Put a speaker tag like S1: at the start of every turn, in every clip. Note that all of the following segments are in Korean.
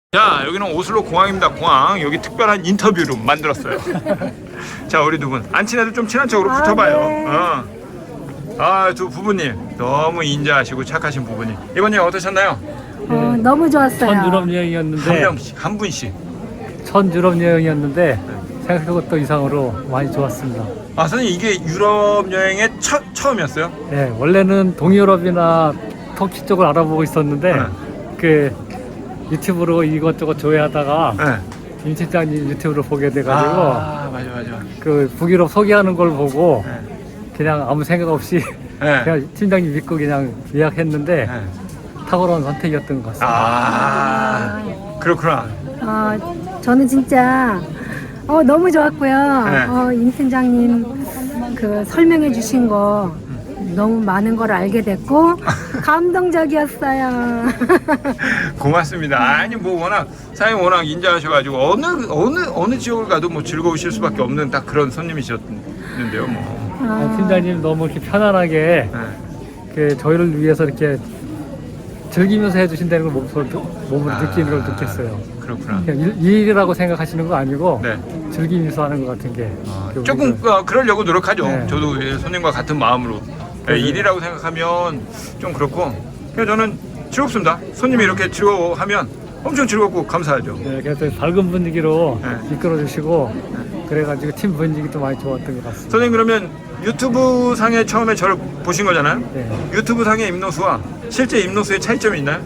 S1: 자, 여기는 오슬로 공항입니다. 공항. 여기 특별한 인터뷰룸 만들었어요. 자, 우리 두 분 안 친해도 좀 친한 척으로 붙어봐요.
S2: 네.
S1: 두 부부님 너무 인자하시고 착하신 부부님. 이번 여행 어떠셨나요?
S2: 너무 좋았어요.
S3: 첫 유럽 여행이었는데
S1: 한 명씩, 한 분씩.
S3: 첫 유럽 여행이었는데 생각한 것도 이상으로 많이 좋았습니다.
S1: 아, 선생님 이게 유럽 여행의 처음이었어요?
S3: 네, 원래는 동유럽이나 터키 쪽을 알아보고 있었는데
S1: 네.
S3: 그 유튜브로 이것저것 조회하다가
S1: 네.
S3: 임 팀장님 유튜브를 보게 돼가지고
S1: 맞아.
S3: 그 북유럽 소개하는 걸 보고
S1: 네.
S3: 그냥 아무 생각 없이
S1: 네.
S3: 그냥 팀장님 믿고 그냥 예약했는데
S1: 네.
S3: 탁월한 선택이었던 것 같습니다.
S1: 그렇구나.
S2: 저는 진짜 너무 좋았고요.
S1: 네.
S2: 임 팀장님 그 설명해 주신 거 너무 많은 걸 알게 됐고 감동적이었어요.
S1: 고맙습니다. 아니 뭐 워낙 사장님 워낙 인자하셔가지고 어느 지역을 가도 뭐 즐거우실 수밖에 없는 딱 그런 손님이셨는데요. 뭐.
S3: 팀장님 너무 이렇게 편안하게
S1: 네.
S3: 그 저희를 위해서 이렇게 즐기면서 해주신다는 걸 몸으로 느끼는 걸 느꼈어요.
S1: 그렇구나.
S3: 그냥 일이라고 생각하시는 거 아니고
S1: 네.
S3: 즐기면서 하는 것 같은 게
S1: 조금 그러려고 노력하죠.
S3: 네.
S1: 저도 손님과 같은 마음으로. 네, 일이라고 생각하면 좀 그렇고 그냥 저는 즐겁습니다. 손님이 이렇게 즐거워하면 엄청 즐겁고 감사하죠.
S3: 네, 그래서 밝은 분위기로
S1: 네.
S3: 이끌어주시고 그래가지고 팀 분위기도 많이 좋았던 것 같습니다.
S1: 선생님 그러면 유튜브 상에 처음에 저를 보신 거잖아요.
S3: 네.
S1: 유튜브 상의 임노수와 실제 임노수의 차이점이 있나요?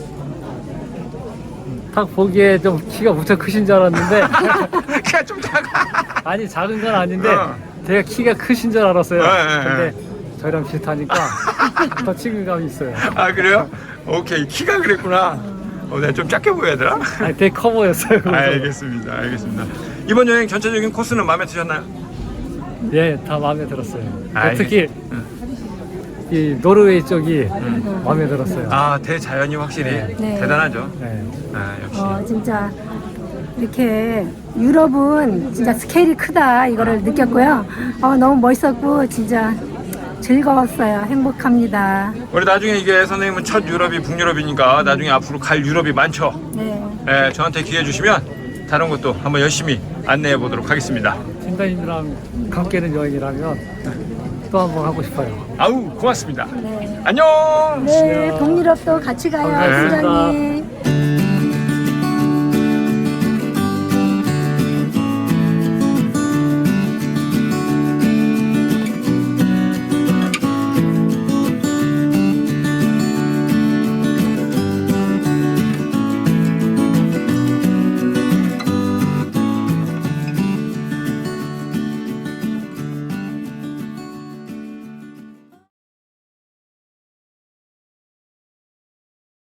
S3: 딱 보기에 좀 키가 무척 크신 줄 알았는데
S1: 키가 좀 작아.
S3: 아니 작은 건 아닌데
S1: 어.
S3: 제가 키가 크신 줄 알았어요.
S1: 네.
S3: 근데 저희랑 비슷하니까 더 친근감이 있어요.
S1: 아 그래요? 오케이 키가 그랬구나. 내가 좀 작게 보여야 되나?
S3: 아니 되게 커 보였어요. 그래서.
S1: 알겠습니다. 이번 여행 전체적인 코스는 마음에 드셨나요?
S3: 예, 다 마음에 들었어요.
S1: 알겠-
S3: 특히 이 노르웨이 쪽이 마음에 들었어요.
S1: 대자연이 확실히
S2: 네.
S1: 대단하죠.
S3: 네.
S1: 역시.
S2: 진짜 이렇게 유럽은 진짜 스케일이 크다 이거를 느꼈고요. 너무 멋있었고 진짜 즐거웠어요. 행복합니다.
S1: 우리 나중에 이게 선생님은 첫 유럽이 북유럽이니까 나중에 앞으로 갈 유럽이 많죠.
S2: 네.
S1: 저한테 기회 주시면 다른 것도 한번 열심히 안내해 보도록 하겠습니다.
S3: 팀장님이랑 함께는 여행이라면 또 한 번 하고 싶어요.
S1: 아우 고맙습니다.
S2: 네.
S1: 안녕.
S2: 네, 동유럽도 같이 가요,
S1: 네.
S2: 팀장님.